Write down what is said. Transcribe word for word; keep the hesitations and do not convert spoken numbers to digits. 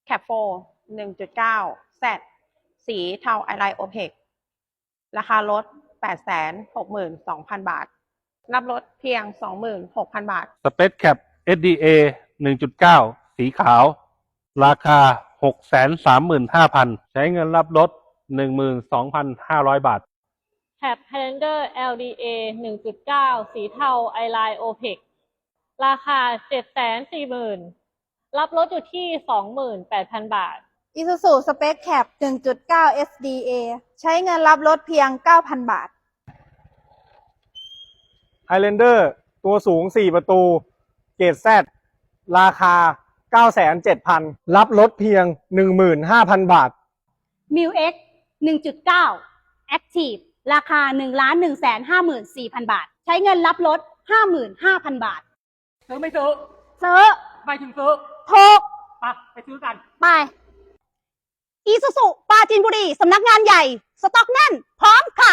แคปโฟ หนึ่งจุดเก้า แซด สีเทาไอไลน์โอเพกราคารถ แปดแสนหกหมื่นสองพัน บาท รับรถเพียง สองหมื่นหกพัน บาทสเปซแคป เอส ดี เอ หนึ่งจุดเก้า สีขาว ราคา หกแสนสามหมื่นห้าพัน ใช้เงินรับรถ หนึ่งหมื่นสองพันห้าร้อย บาทแคป Highlander แอล ดี เอ หนึ่งจุดเก้า สีเทาไอไลน์โอเพกราคา เจ็ดแสนสี่หมื่น รับรถอยู่ที่ สองหมื่นแปดพัน บาท Isuzu Space Cab หนึ่งจุดเก้า เอส ดี เอ ใช้เงินรับรถเพียง เก้าพัน บาท Highlander ตัวสูงสี่ประตูเกรด Z ราคา เก้าแสนเจ็ดพัน รับรถเพียง หนึ่งหมื่นห้าพัน บาทมิ ว เอ็กซ์ หนึ่งจุดเก้า Active ราคา หนึ่งล้านหนึ่งแสนห้าหมื่นสี่พัน บาท ใช้เงินรับรถ ห้าหมื่นห้าพัน บาทซื้อไม่ซื้อซื้อไม่ถึงซื้อถูกไปไปซื้อกันไป อีซูซูปราจีนบุรี สำนักงานใหญ่ สต็อกแน่น พร้อมขาย